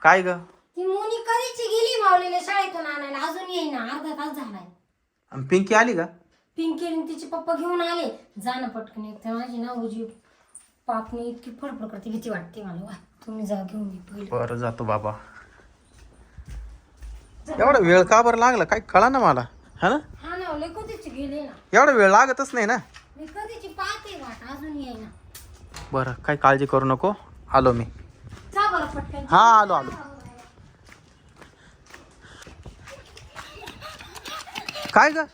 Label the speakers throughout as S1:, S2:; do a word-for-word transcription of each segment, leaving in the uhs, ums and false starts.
S1: काय ग?
S2: ती मुनी कधीची गेली माऊलीला शाळेतून आणायला, अजून येईना, अर्धा तास झालाय.
S1: आणि पिंकी आली का?
S2: पिंकी आणि तिचे पप्पा घेऊन आले. जाणं पटकन एक तर माझी ना उजी पापणी इतकी फडफड करते, भीती वाटते मला. वा तुम्ही जा घेऊन ये पहिले.
S1: बरं जातो बाबा. एवढा वेळ का बरं लागला काय कळा ना मला. हा ना
S2: हा ना, लय कधीची गेले ना.
S1: एवढा वेळ लागतच नाही ना.
S2: मी कधीची पाहते वाट, अजून येईना.
S1: बरं काही काळजी करू नको, आलो मी.
S2: जा बरं पटकन.
S1: हा आलो आलो. काय ग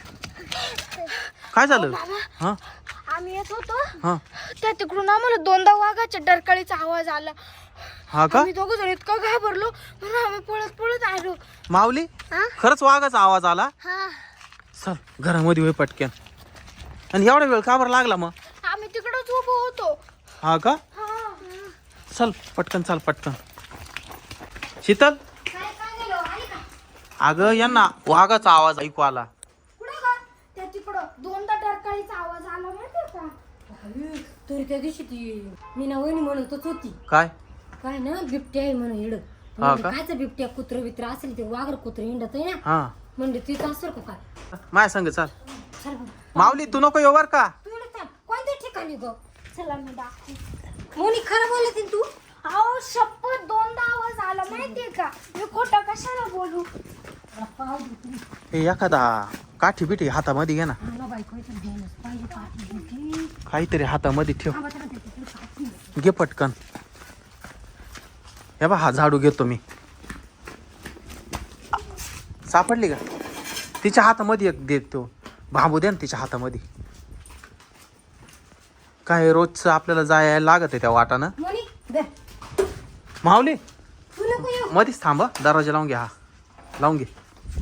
S1: काय झालं? हा
S3: आम्ही येत होतो
S1: हा
S3: त्या तिकडून आम्हाला दोनदा वाघाच्या डरकाळीचा आवाज आला.
S1: हा का?
S3: आम्ही दोघं जण इतकं घाबरलो म्हणून आम्ही पळत पळत आलो.
S1: माऊली
S3: हा?
S1: खरंच वाघाचा आवाज आला?
S3: हा
S1: चल घरामध्ये होय पटक्यान. आणि एवढा वेळ का बरं लागला मग?
S3: आम्ही तिकडच उभो होतो.
S1: हा का?
S3: हा
S1: चल पटकन चाल पटकन. शीतल
S2: काय काय झालं, आली का?
S1: अगं यांना वाघाचा आवाज ऐकू आला.
S3: कुठं का त्या तिकडं दोनदा डरकाळीचा आवाज आला माहितीये का?
S2: अरे, तरी त्या दिवशी ती मीना वहिनी म्हणतच होती
S1: काय?
S2: काय ना बिबट्या आहे म्हणून हिड.
S1: हा का?
S2: कायचं बिबट्या कुत्र बित्र असेल ते, वाघर कुत्र हिंडत आहे ना,
S1: हा
S2: म्हणजे तिथं असेल का काय.
S1: माझ्या संग चाल.
S2: चल बरं.
S1: माऊली तू नको येऊ बर का?
S2: तू इकडे थांब. कोणत्या ठिकाणी ग? चला मी दाखवते. मोनी खरं बोलत तू?
S3: अहो शपथ दोनदा आवाज आला माहितीये का? मी खोटं कशाला बोलू?
S2: मला पाव दे तुम्ही.
S1: हे एखादा काठी बिठी हातामध्ये घे ना.
S2: मला बायको इथं घ्यायलाच पाहिजे, पाठी बिठी.
S1: काहीतरी हातामध्ये ठेव.
S2: थांबा, थांबा, थांबा, थांबा, काठी.
S1: घे पटकन. हे बा हा झाडू घेतो मी. सापडली का? तिच्या हातामध्ये एक देतो. बांबू द्या ना तिच्या हातामध्ये. काय रोजचं आपल्याला जायला लागत आहे त्या वाटानं.
S2: मोनी दे.
S1: माऊली
S2: तू नको येऊ.
S1: मध्येच थांब हं. दरवाजा लावून घे. हा लावून घे.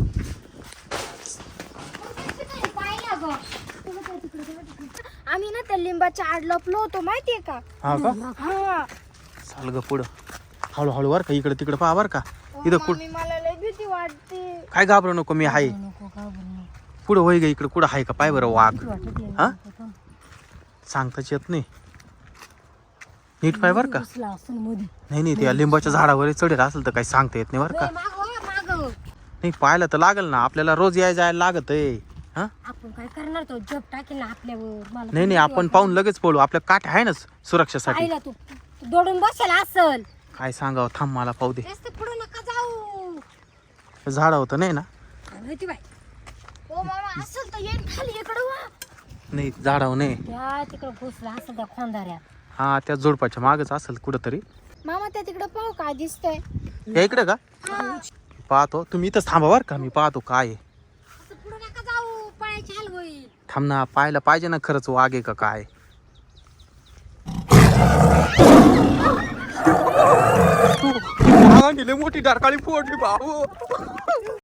S2: पाहिला ग.
S3: आम्ही ना त्या लिंबाच्या आड लपलो होतो माहितीये का?
S1: हा का?
S3: हा
S1: चाल ग पुढं. हळूहळू वर का इकडे तिकडे पहा बर का. इथं कुठं
S3: मम्मी मला लय भीती वाटते.
S1: काय घाबरू नको मी आहे.
S2: नको का बोलू.
S1: पुढं होई ग इकडे कुठं आहे का पाय बरं वाघ.
S2: वाटत आहे.
S1: हा सांगताच येत नाही. नीट पाय बर का.
S2: बसला असून मध्ये.
S1: नाही नाही त्या लिंबाच्या झाडावर चढेल असेल तर काही सांगता येत नाही बरं का.
S2: माग हो, माग.
S1: नाही पाहायला तर लागल ना आपल्याला रोज याय जायला लागत आहे. हा
S2: आपण काय करणार, तो जप टाकेल ना आपल्यावर. मला
S1: नाही नाही आपण पाहून लगेच पळू. आपल्या काठ आहे ना सुरक्षेसाठी.
S2: पाहिला तू तू दडून बसेल असल.
S1: काय सांगावं थांब मला पाहू दे.
S2: जास्त पुढे नका जाऊ.
S1: झाड होतं नाही ना.
S2: काय माहिती बाई.
S3: ओ मामा असेल तर येईन खाली इकडं वा.
S1: नाही झाडावर नाही.
S2: त्या तिकडं घुसला असेल त्या खोंदाऱ्यात.
S1: हा त्या जोडपाच्या मागच असेल कुठंतरी.
S3: मामा त्या तिकडं पाहू काय दिसतंय?
S1: या इकडे का? पाहतो तुम्ही इथंच थांबा बर का. मी पाहतो काय आहे.
S2: असं पुढे नका जाऊ, पळायची हाल होईल.
S1: थांब ना पाहायला पाहिजे ना खरंच वाघ आहे का काय. मोठी डारकाळी फोडली भाऊ.